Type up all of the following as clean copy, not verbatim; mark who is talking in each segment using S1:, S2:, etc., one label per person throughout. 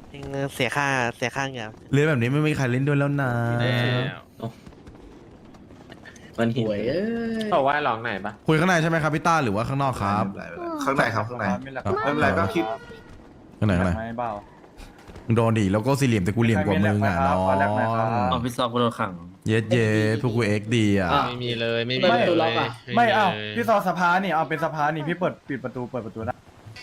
S1: เองเสียค่าเหงื่อ
S2: เล่นแบบนี้ไม่มีใครเล่นด้วยแล้วนะ
S3: มันหิว
S4: หวยเอ้ย
S5: บอกว่าร้องไหนปะ
S2: คุยข้างในใช่ไหมครับพี่ต้าหรือว่าข้างนอกครับ
S6: ข้างในครับข้างใน
S2: ครับ
S6: ไม่เป็นไรก็คิด
S2: ข้างในมึงโดนดิแล้วก็สี่เหลี่ยมแต่กูเหลี่ยมกว่ามึงอ่ะน้อง
S3: ออฟฟิศซอกกูโดนขัง
S2: เย็ดพวกกูเอ็กดีอ่ะ
S5: ไม่มีเลยไม่มี
S4: ไม่
S5: เลย
S4: ตัวล็อกอ่ะ
S7: ไม่เอาพี่ซอสภานี่เอาเป็นสภานี่พี่ปิดประตูได้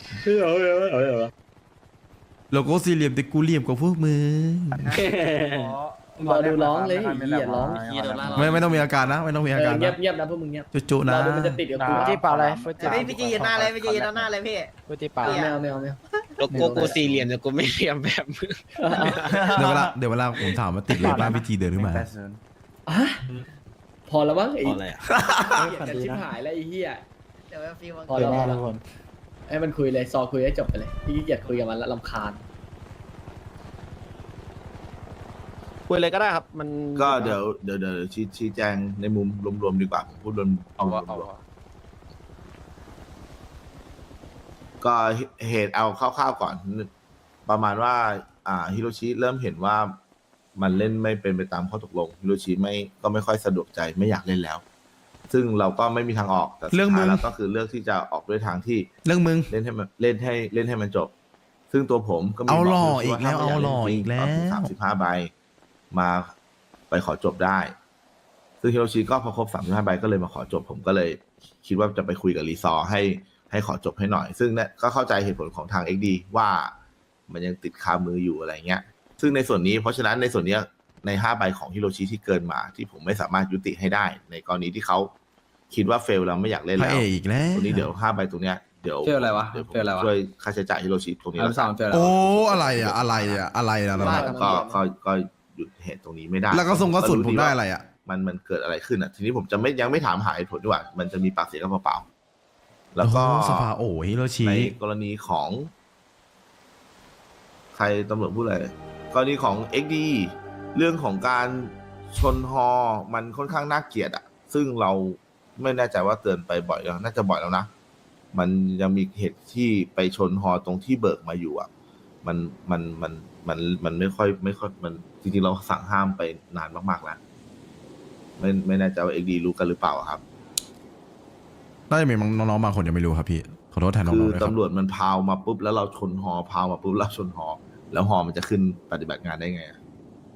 S2: แล้วก็สี่เหลี่ยมแต่กูเหลี่ยมกว่าพวกมึง
S4: รอดูร้องเลยอย่าร้อง
S2: ไม่ต้องมีอาการนะไม่ต้องมีอาการ
S4: เงีย
S2: นะ
S4: บเงียบนะพวกมึงเงียบ
S2: จุๆ
S4: ร
S2: นะ
S4: อดูมันจะติดกับกู
S7: ที่เปล่าอะไร
S8: พี่จียืนหน้าเลยพี่จียืนหน้าเลยพี่
S4: ไม่เอา
S5: โลโก้กูสี่เหลี่ยมแต่กูไม่เหลี่ยมแบบมึง
S2: เดี๋ยวเวลาผมถามว่าติดเลยบ้านพี่จีเดินขึ้นมา
S4: พอแล้วมั้งไอ้
S1: พออะไรอ่ะ
S4: เกลียดกันชิบหายแล้วไอ้เหี้ย
S8: เดี๋ยวฟิว
S4: พอแล้วพอแล้วให้มันคุยเลยซอคุยให้จบไปเลยพี่เกลียดคุยกับมันแล้วรำคาญ
S1: คุยเลยก็ได้ครับ มัน
S6: ก็เดี๋ยวชี้แจงในมุมรวมๆดีกว่าผมพูดรวมก็เหตุเอาคร่าวๆก่อน ประมาณว่าฮิโรชิเริ่มเห็นว่ามันเล่นไม่เป็นไปตามข้อตกลงฮิโรชิก็ไม่ค่อยสะดวกใจไม่อยากเล่นแล้ว ซึ่งเราก็ไม่มีทางออกแต่สุดท้ายแล้วก็คือเลือกที่จะออกด้วยทางที่
S2: เรื่องมึง
S6: เล่นให้มันจบ ซึ่งตัวผมก็มี
S2: เอาหล่อ
S6: บอก
S2: อีกแล้ว
S6: ว่าถ้
S2: เอาหล่อ
S6: ไม่ย
S2: อีกแล้ว
S6: 35 ใบมาไปขอจบได้ ซึ่งฮิโรชิก็พอครบ35 ใบก็เลยมาขอจบ ผมก็เลยคิดว่าจะไปคุยกับรีซอร์ให้ขอจบให้หน่อย ซึ่งเนี่ยก็เข้าใจเหตุผลของทาง XD ว่ามันยังติดคามืออยู่อะไรเงี้ย ซึ่งในส่วนนี้เพราะฉะนั้นในส่วนเนี้ยใน5 ใบของฮิโรชิที่เกินมาที่ผมไม่สามารถยุติให้ได้ ในกรณีที่เขาคิดว่าเฟลแล้วไม่อยากเล่น
S2: พระ
S6: แล้ว
S2: เอกอีกแล้ว
S6: ตรงนี้เดี๋ยว5 ใบตรงเนี้ยเดี๋ยว
S3: เฟลอะไรวะ
S6: เดี๋ยวผม
S3: เฟลอะไรวะ
S6: ช่วยค่าใช้จ่ายฮิโรชิตรงนี้
S3: อั
S6: แล้
S3: น
S6: ว
S3: สา
S6: กั
S3: ม
S6: น
S3: เฟล
S2: โอ้อะไรนะ
S6: ก็หยุดเหตุตรงนี้ไม่ได้
S2: แล้วก็ส่งกระสุนผมได้อะไรอ่ะ
S6: มันเกิดอะไรขึ้นอ่ะ ทีนี้ผมจะยังไม่ถามหาเหตุผลดีกว่ามันจะมีปากเสียงกันเปล่าๆแล้วก็
S2: โอ้โหสภาโอ้ฮิโรชิ
S6: ในกรณีของ ใครตำรวจพูดอะไรกรณีของ XD เรื่องของการชนฮอมันค่อนข้างน่าเกลียดอ่ะ ซึ่งเราไม่แน่ใจว่าเตือนไปบ่อยแล้วน่าจะบ่อยแล้วนะ มันยังมีเหตุที่ไปชนฮอตรงที่เบิกมาอยู่อ่ะ มันไม่ค่อยมันจริงๆเราสั่งห้ามไปนานมากๆแล้วไม่แน่ใจว่า XD รู้กันหรือเปล่าครับ
S2: น่าจะมีน้องๆบางคนยังไม่รู้ครับพี่ขอโทษแทนน้
S6: คือ
S2: องๆด้วยครับ
S6: ตำรวจมันพาวมาปุ๊บแล้วเราชนฮอพาวมาปุ๊บแล้วชนฮอแล้วฮอมันจะขึ้นปฏิบัติงานได้ไงอะ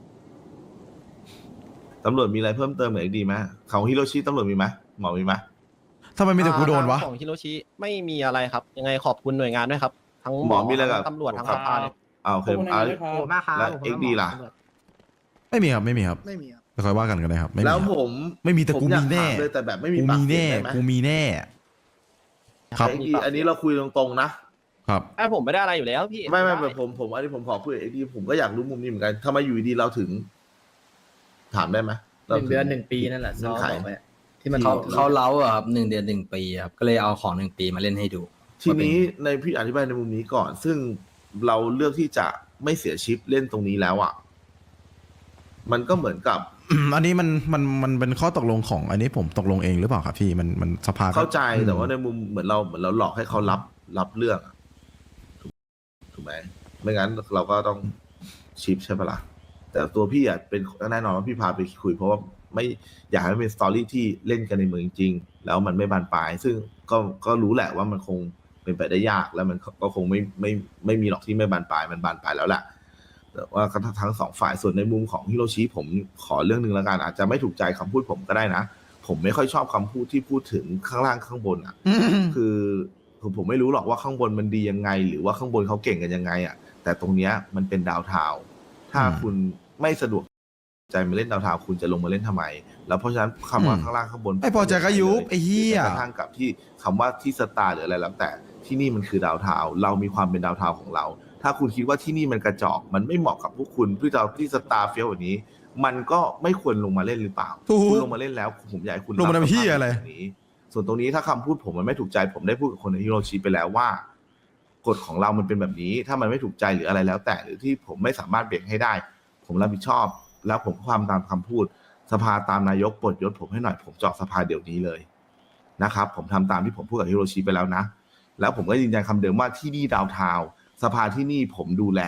S6: ตำรวจมีอะไรเพิ่มเติมเหมือน XD ไหมของฮิโรชิตำรวจมีไหมหมอมีไหม
S2: ทำไมมีแต่กูโดนวะ
S1: ของฮิโรชิไม่มีอะไรครับ ยังไงขอบคุณหน่วยงานด้วยครับ ทั้ง
S6: หมอมีอะไรกับ
S1: ทั้งตำรวจทั้ง
S6: ค
S1: ส
S6: รับ
S1: ภาเลย
S6: โอเค
S8: ขอบคุณมากครับ
S6: แล้ว XD ล่ะ
S2: ไม่มีครับ
S8: ไม่มีครับ
S2: จะค่อยว่ากันได้ครับไม่มี
S6: แล้ว
S2: ครับ
S6: ผม
S2: ไม่มีแต่กู
S6: ผอยา
S2: มีแน่
S6: ถาเลยแต่แบบไม่มี
S2: กู
S6: ปาก
S2: มี
S6: เสีย
S2: แน่
S6: งได้ไหม
S2: กูมีแน่ ครับ
S6: XD อันนี้เราคุยตรงๆนะครับ
S1: ไอ้ผมไม่ได้อะไรอยู่แล้วพี่
S6: ไม่แบบผมอันนี้ผมขอคุยกับ XD ผมก็อยากรู้มุมนี้เหมือนกันทำไมอยู่ดีเราถึง ถามได้ไหม
S4: 1 เดือน 1 ปีนั่นแหละซอบอกไปที่มัน
S3: เขาเล้าอะครับ1 เดือน 1 ปีครับก็เลยเอาของ1 ปีมาเล่นให้ดู
S6: ทีนี้ในพี่อธิบายในมุมนี้ก่อน ซึ่งเราเลือกที่จะไม่เสียชิปเล่นตรงนี้แล้วอ่ะ มันก็เหมือนกับ
S2: อันนี้มันเป็นข้อตกลงของอันนี้ผมตกลงเองหรือเปล่าครับพี่มันสภาก็
S6: เข้าใจแต่ว่าในมุมเหมือนเราหลอกให้เขารับเรื่องอะถูกไหมไม่งั้นเราก็ต้องชิปใช่ปะล่ะแต่ตัวพี่อ่ะเป็นแน่นอนว่าพี่พาไปคุย เพราะว่าไม่อยากให้มันเป็นสตอรี่ที่เล่นกันในเมืองจริงๆแล้วมันไม่บานปลาย ซึ่งก็รู้แหละว่ามันคงเป็นไปได้ยากแล้วมันก็คงไม่มีหรอกที่ไม่บานปลายมันบานปลายแล้วแหละแต่ว่าทั้ง2 ฝ่ายส่วนในมุมของฮิโรชิผมขอเรื่องหนึ่งแล้วกันอาจจะไม่ถูกใจคำพูดผมก็ได้นะผมไม่ค่อยชอบคำพูดที่พูดถึงข้างล่างข้างบนอ่ะ คือผมไม่รู้หรอกว่าข้างบนมันดียังไง หรือว่าข้างบนเขาเก่งกันยังไงอ่ะแต่ตรงเนี้ยมันเป็นดาวเทาวน์ถ้าคุณไม่สะดวกใจมาเล่นดาวเทาวน์คุณจะลงมาเล่นทำไม แล้วเพราะฉะนั้นคำว่าข้างล่างข้างบน
S2: ไม่พอใจก็ยุบไอ้เหี้ย
S6: กระทั่งกับที่คำว่าที่สตาร์หรืออะไรแล้วแต่ที่นี่มันคือดาวเทาวน์เรามีความเป็นดาวเทาวน์ของเรา ถ้าคุณคิดว่าที่นี่มันกระจอกมันไม่เหมาะกับพวกคุณเพื่อจะเอาที่สตาร์เฟี้ยวแบบนี้ มันก็ไม่ควรลงมาเล่นหรือเปล่า
S2: ถูก
S6: คุณลงมาเล่นแล้วผมอยากให้คุณ
S2: ลงมาทำเหี้ยอะไร
S6: บสภาพแบบนี้ ส่วนตรงนี้ถ้าคำพูดผมมันไม่ถูกใจผมได้พูดกับคนในฮิโรชิไปแล้วว่ากฎของเรามันเป็นแบบนี้ ถ้ามันไม่ถูกใจหรืออะไรแล้วแต่หรือที่ผมไม่สามารถเบรกให้ได้ ผมรับผิดชอบ แล้วผมก็ความตามคำพูดสภาตามนายกปลดยศผมให้หน่อยผมจะออกสภาเดี๋ยวนี้เลยนะครับผมทำตามที่ผมพูดกับฮิโรชิไปแล้วนะแล้วผมก็ยืนยันคำเดิมว่าที่นี่ดาวเทาวน์สภาที่นี่ผมดูแล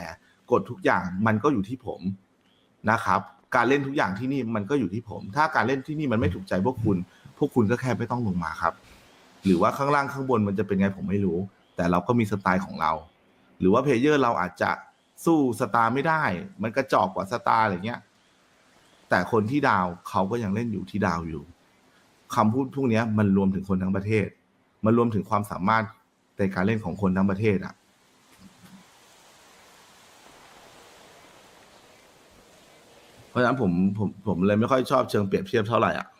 S6: กฎทุกอย่างมันก็อยู่ที่ผมนะครับ การเล่นทุกอย่างที่นี่มันก็อยู่ที่ผม ถ้าการเล่นที่นี่มันไม่ถูกใจพวกคุณก็แค่ไม่ต้องลงมาครับ หรือว่าข้างล่างข้างบนมันจะเป็นไงผมไม่รู้ แต่เราก็มีสไตล์ของเรา หรือว่าเพลเยอร์เราอาจจะสู้สตาร์ไม่ได้ มันกระจอกกว่าสตาร์อะไรเงี้ยแต่คนที่ดาวเขาก็ยังเล่นอยู่ที่ดาวอยู่คำพูดพวกนี้มันรวมถึงคนทั้งประเทศ มันรวมถึงความสามารถในการเล่นของคนทั้งประเทศอ่ะเพราะฉะนั้นผมเลยไม่ค่อยชอบเชิงเปรียบเทียบเท่าไหร่อ่ะ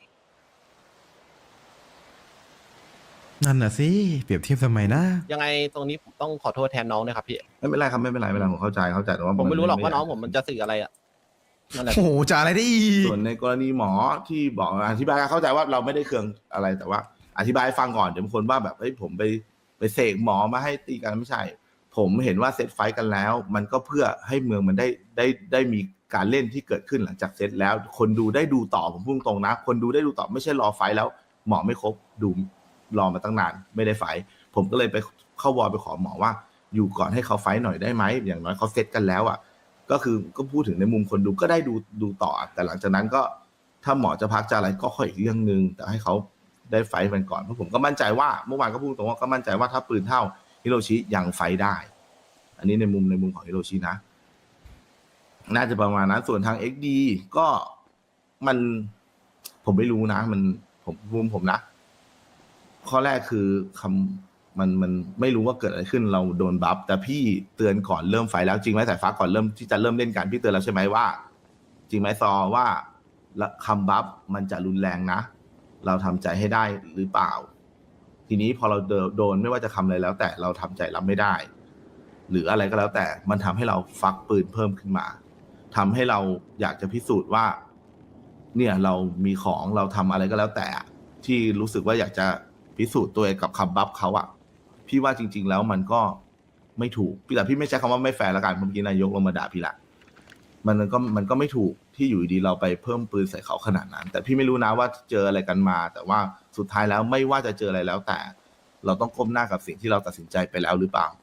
S2: นั่นน่ะสิเปรียบเทียบทำไมนะ
S1: ยังไงตรงนี้ผมต้องขอโทษแทนน้องนะครับพี่
S6: ไม่เป็นไรครับไม่เป็นไรผมเข้าใจแต่ว่า
S1: ผมไม่รู้หรอกว่าน้องผมมันจะสื่ออะไรอ่ะนั่นแหละ
S2: โอ้โหจะอะไรได้อีก
S6: ส่วนในกรณีหมอที่บอกอธิบายเข้าใจว่าเราไม่ได้เคืองอะไรแต่ว่า อธิบายให้ฟังก่อนเดี๋ยวบางคนว่าแบบเฮ้ยผมไปเสกหมอมาให้ตีกันไม่ใช่ ผมเห็นว่าเซตไฟท์กันแล้ว มันก็เพื่อให้เมืองมันได้มีการเล่นที่เกิดขึ้นหลังจากเซตแล้ว คนดูได้ดูต่อผมพูดตรงนะคนดูได้ดูต่อไม่ใช่รอไฟท์แล้วหมอไม่ครบดูรอมาตั้งนานไม่ได้ไฟท์ผมก็เลยไปเข้าวอลไปขอหมอว่าอยู่ก่อนให้เขาไฟท์หน่อยได้ไหมอย่างน้อยเขาเซตกันแล้วอ่ะก็คือก็พูดถึงในมุมคนดูก็ได้ดูต่อแต่หลังจากนั้นก็ถ้าหมอจะพักจะอะไรก็ค่อยอีกเรื่องนึงแต่ให้เขาได้ไฟท์มันก่อนเพราะผมก็มั่นใจว่าเมื่อวานก็พูดตรงว่าก็มั่นใจว่าถ้าปืนเท่าฮิโรชิยังไฟท์ได้อันนี้ในมุมของฮิโรชินะน่าจะประมาณนั้นส่วนทาง XD ก็มันผมไม่รู้นะผมนะข้อแรกคือมันไม่รู้ว่าเกิดอะไรขึ้นเราโดนบัฟแต่พี่เตือนก่อนเริ่มไฟแล้วจริงไหมสายฟ้าก่อนเริ่มที่จะเริ่มเล่นกันพี่เตือนแล้วใช่ไหมว่าจริงไหมซอว่าคำบัฟมันจะรุนแรงนะเราทำใจให้ได้หรือเปล่าทีนี้พอเราโดนไม่ว่าจะคำอะไรแล้วแต่เราทำใจรับไม่ได้หรืออะไรก็แล้วแต่มันทำให้เราฟักปืนเพิ่มขึ้นมาทำให้เราอยากจะพิสูจน์ว่าเนี่ยเรามีของเราทำอะไรก็แล้วแต่ที่รู้สึกว่าอยากจะพิสูจน์ตัวเองกับคำบัฟเขาอ่ะพี่ว่าจริงๆแล้วมันก็ไม่ถูกแต่พี่ไม่ใช้คำว่าไม่แฟร์ละกันเมื่อกี้นายกลงมาด่าพี่ละมันก็ไม่ถูกที่อยู่ดีเราไปเพิ่มปืนใส่เขาขนาดนั้นแต่พี่ไม่รู้นะว่าเจออะไรกันมาแต่ว่าสุดท้ายแล้วไม่ว่าจะเจออะไรแล้วแต่เราต้องก้มหน้ากับสิ่งที่เราตัดสินใจไปแล้วหรือเปล่า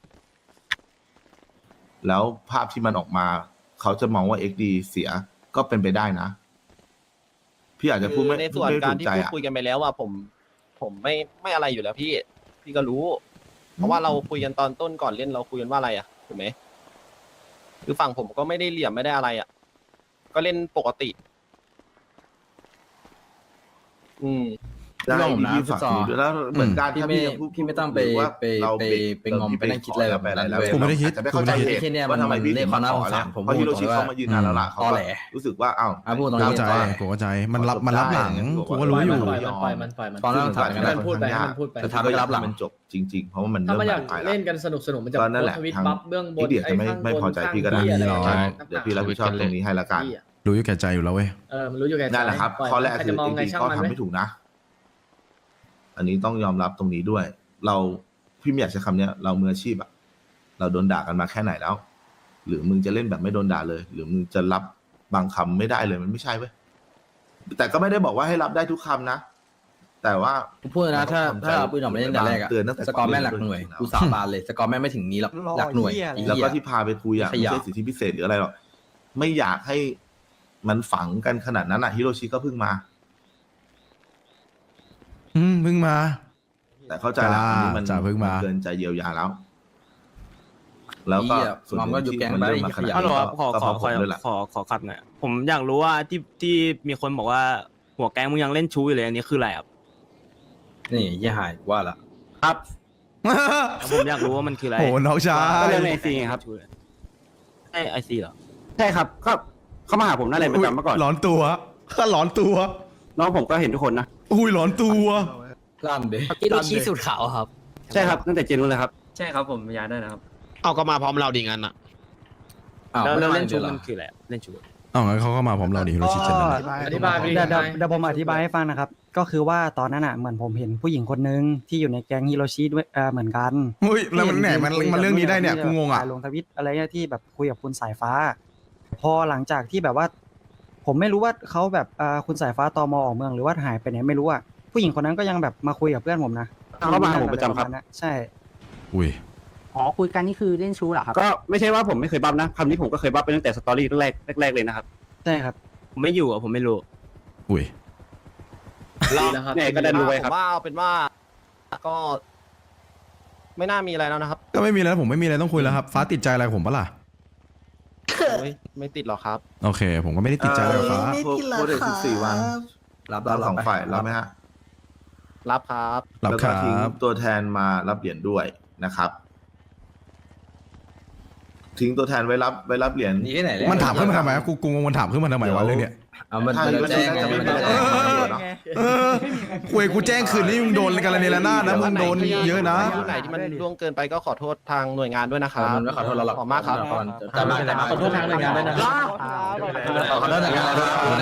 S6: แล้วภาพที่มันออกมาเขาจะมองว่า XD เสียก็เป็นไปได้นะพี่อาจจะพูดไม่
S1: ในส่วน
S6: ไม่
S1: การ
S6: ถูก
S1: ที่
S6: ใจ
S1: พูด
S6: อ่ะ
S1: คุยกันไปแล้วว่าผมไม่อะไรอยู่แล้วพี่ก็รู้ เพราะว่าเราคุยกันตอนต้นก่อนเล่นเราคุยกันว่าอะไรอ่ะถูกไหมคือฝั่งผมก็ไม่ได้เหลี่ยมไม่ได้อะไรอ่ะก็เล่นปกติ
S6: ได้
S3: พี่บอกผมนะ
S6: พี่ฝาก
S3: พี่ซอ
S6: ดูด้วยแล้วเหมือนกัน
S3: พี่
S6: ถ้า
S3: ไม่
S6: ยังพูด
S3: พี่ไม่ต้องไป
S6: หรือว่า
S3: ไป
S6: เรา
S3: ไปไปงอมไปนั่งคิดอะไรแบบนั้น
S6: แล้ว
S3: เลย
S2: ผมไม่ได้คิด
S6: อาจจะไม่เข้าใจ
S3: ผมไม่ได้
S6: เห
S3: คิด
S6: ตุ
S3: เนี่ย
S6: ว่าทำไมพี่
S3: มัน
S6: ถึงมาขอ
S3: เรียกความน่าสงสารผม
S6: เพราะฮิโรชิ
S3: พูดตรงๆ
S6: เขามายืนนานแล้วล่ะเขา
S3: ตอ
S6: ก็
S3: แหล
S6: รู้สึกว่าอ้าว
S3: พูดตรง
S2: เข้า
S3: นี้
S2: ใจ
S3: ตอแหล
S2: กูเข้าใจมันรับหลังกูก็รู้อยู่
S4: ปล่อยมัน
S3: ตอนนั้นถามกัน
S4: ให้
S3: ได้
S4: มันพูดไปให้มันพูดไป
S3: จะทำให้รับหลัง
S6: มันจบจริง ๆ เพราะว่ามัน
S4: ถ้า
S6: เริ่ม
S4: มันอยาก
S6: บานปลายแล้ว
S4: เล่นกันสนุกมันจะ
S6: ก็นั่นแหละ
S4: โพสต์ทวิต
S6: ทาง
S4: บัฟเบื้องบน
S6: พี่เดียจะไม่พอใจพี่ก็ได้
S4: ข้างบน
S2: หรอก
S4: ข้าง
S6: เดี๋ยวพี่รับผิดชอบตรงนี้ให้ละกัน
S4: พี่อะ
S2: รู้อยู่แก่ใจอยู่แล้วเว้ย
S4: มันรู้อยู่แก่ใจ
S6: นั่นแหละครับ
S4: ปล่ย
S6: ข้อแรก
S4: ใคร
S6: คือ
S4: จะมอง
S6: จ
S4: ไง
S6: ริงๆ
S4: ช่าง
S6: ก็
S4: มัน
S6: ทำ
S4: ไหม
S6: ไม่ถูกนะ อันนี้ต้องยอมรับตรงนี้ด้วย พี่ไม่อยากใช้คำเนี้ย เรามืออาชีพอะเราโดนด่ากันมาแค่ไหนแล้ว หรือมึงจะเล่นแบบไม่โดนด่าเลย หรือมึงจะรับบางคำไม่ได้เลยมันไม่ใช่เว้ยแต่ก็ไม่ได้บอกว่าให้รับได้ทุกคำนะ แต่ว่า
S3: กูพูดนะถ้าเอาปืนออกมาเล่นแต่แรกอะ
S6: เตือนตั้งแต่
S3: สกอร์แม่งหลักหน่วย
S6: ก่อน
S3: กูสาบานเลยสกอร์แม่งไม่ถึงนี้หรอกหลักหน่วยไอ้
S6: แล้ว
S3: เหี้
S6: ก็
S3: ย
S6: ที่พาไปคุยอะ
S3: ข
S6: ไม่
S3: ยะ
S6: ใช่สิทธิพิเศษหรืออะไรหรอกไม่อยากให้มันฝังกันขนาดนั้นอะฮิโรชิก็เพิ่งมา
S2: เพิ่งมา
S6: แต่เข้าใจแล้วอันนี้มัน
S2: จ้าเพิ่งมา
S6: เกินใจเยียวยาแล้ว แล้วก็
S3: เหี้ย
S6: ส่วนห
S3: มั
S6: นึ่
S3: นก็อยู่
S6: งที่
S3: แก๊ง
S6: มัน
S3: ไป
S6: เริ่มมาขนาด
S3: ขยะ
S9: ฮัลโหล
S6: นี้
S9: ครับขอ
S6: ก็
S9: ข
S6: เพ
S9: อ
S6: ราะผมด้วยแหละ
S9: ขอขัดหน่อยผมอยากรู้ว่าที่มีคนบอกว่าหัวแก๊งมึงยังเล่นชู้อยู่เลยอันนี้คืออะไรครับ
S3: นี่เหี้ยหายว่าละ
S9: ครับผมอยากรู้ว่ามันคืออะไร
S2: โอ้น้องชา
S9: ก็
S2: ย
S9: เรื่องในไอซีครับไอซีเหรอ
S10: ใช่ครับก็เขามาหาผมหน้าเรียนประจำเมื่อก่อน
S2: หลอนตัวหลอนตัว
S10: น้องผมก็เห็นทุกคนนะ
S2: อุ้ยหลอนตัว
S3: ลั่นเด้
S8: ฮิโรชิสูตรขาวครับ
S10: ใช่ครับตั้งแต่เจนนู้นเลยครับ
S5: ใช่ครับผมย้ายได้นะครับ เอาก็มาพร้อมเราดีงั้นอ่ะ
S3: อ้าว
S9: แล้ว
S3: ไม่
S9: แล้ว
S3: ได้
S9: เล่นชู้
S3: เหรอ
S9: มันคืออะไรเล่นชู้
S2: เอางั้นเขาก็มาพร้อมเราดิฮิโรชิเจนนั่นน่ะ
S4: อธิบายไปดิ
S11: เดี๋ยวผมอธิบายให้ฟังนะครับ ก็คือว่าตอนนั้นอ่ะเหมือนผมเห็นผู้หญิงคนนึงที่อยู่ในแก๊งฮิโรชิด้วยเหมือนกัน
S2: เฮ้ยแล้วมันไหนมันเรื่องนี้ได้เนี่ยกูงงอ่ะ
S11: ลงทวิตอะไรเนี่ยที่แบบคุยกับคุณสายฟ้า พอหลังจากที่แบบว่า ผมไม่รู้ว่าเขาแบบคุณสายฟ้าตมออกเมืองหรือว่าหายไปไหนไม่รู้อ่ะผู้หญิงคนนั้นก็ยังแบบมาคุยกับเพื่อนผมนะ
S10: เขามาหาผมประจำครับ
S11: ใช่
S2: อุ้ย
S11: อ
S8: อ๋อคุยกันนี่คือเล่นชู้เหรอครับ
S10: ก็ไม่ใช่ว่าผมไม่เคยบัฟนะคำนี้ผมก็เคยบัฟไปตั้งแต่สตอรี่แรกเลยนะครับ
S11: ใช่ครับ
S9: ผมไม่อยู่อ่ะผมไม่รู้
S2: อุ้ย
S4: ดีแล้วครับ
S10: เนี่ยก็ได้รู้ไว้
S1: ผ
S10: ครับ
S1: มว่าเอาเป็นว่าก็ ไม่น่ามีอะไรแล้วนะครับ
S2: ก็ไม่มีแล้วผมไม่มีอะไรต้องคุยแล้วครับ ฟ้าติดใจอะไรผมปะล่ะ
S1: ไม่ติดหรอกครับ
S2: โอเค ผมก็ไม่ได้ติดใจอะไรกับฟ้า
S6: พูดถึง14 วัน
S3: รับ
S6: เราสอง
S3: ไป
S6: ฝ่ายรับไหมฮะ
S1: รับครับ
S2: รับ
S6: แล้ว
S2: ค
S6: ก็
S2: รั
S6: ทิ้ง
S2: บ
S6: ตัวแทนมารับเหรียญด้วยนะครับ ทิ้งตัวแทนไว้รับเหรียญ
S3: นี่ที่ไหนแล้ว
S2: มันถามขึ้นมาทำไมวะกูงงมันถามขึ้นมาทำไมวะเรื่องเนี้ย
S3: เอามัน
S6: ถ้า
S3: แจ้งไง
S6: จะไม่
S3: มัน
S6: ได้
S3: แจ้ง
S2: เออคุยกูแจ้งคืนนี้มึงโดนกันละเนี่ยละหน้าดนะมึงโดนเยอะนะ
S1: ที่ไหนที่มันล่วงเกินไปก็ขอโทษทางหน่วยงานด้วยนะครับ
S3: มันไม่ขอโทษเราหรอก
S1: ขอบมากครับ
S3: แต่มาขอโทษทางหน่วยงานด้วยนะขอโทษทางหน่วยงาน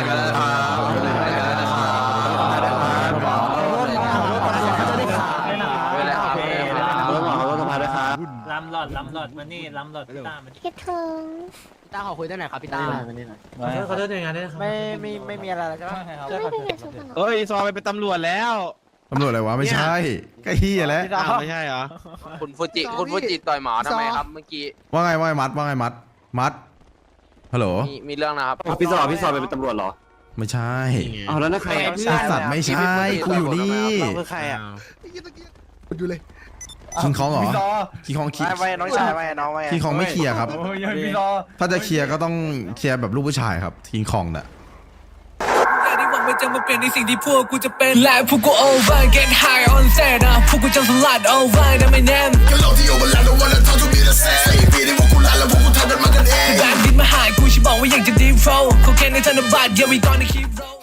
S9: ลำหลอดมานี่ลำหลอดพี่ตามา
S8: คิดถึงพี่ต้าขอคุยด้วยหน่อยครับพี่ต้า
S4: ขอโทษยังไงด้วยครับ
S8: ไม่มีอะไรแล้วใช่ไหมไม่ได้เงินสุขภาพ
S5: เอ้ยซอไปเป็นตำรวจแล้ว
S2: ตำรวจอะไรวะไม่ใช่ก็เฮียแล้ว
S5: อ้าวไม่ใช่เหรอ
S8: คุณฟูจิต่อยหมอทำไมครับเมื่อกี้
S2: ว่าไงมัดฮัลโหล
S8: มีเรื่องนะครับ
S10: พี่ซอไปเป็นตำรวจเหรอ
S2: ไม่ใช่
S10: เอาแล้วนะใคร
S2: ไอสัตว์ไม่ใช่กูอยู่นี่
S5: คือใครอ่ะ
S2: คิงคองเหรอ
S7: พี่ซอ
S2: คิงคองคิง
S5: น้องชายไว้น้องไว้
S2: คิงคองไม่เคลียร์ครับ
S7: โอ้ยพี่ซอ
S2: ถ้าจะเคลียร์ก็ต้องเคลียร์แบบลูกผู้ชายครับคิงคองน่ะ
S12: ที่หวังมันจะมาเปลี่ยนในสิ่งที่พวกกูจะเป็นและพวกกู over get high on set นะพวกกูจะสลัด over นะไม่แน่แบบดินมาหายกูฉันบอกว่าอยากจะ deep flow เขาแค่ในธนบัตร yeah we gonna keep roll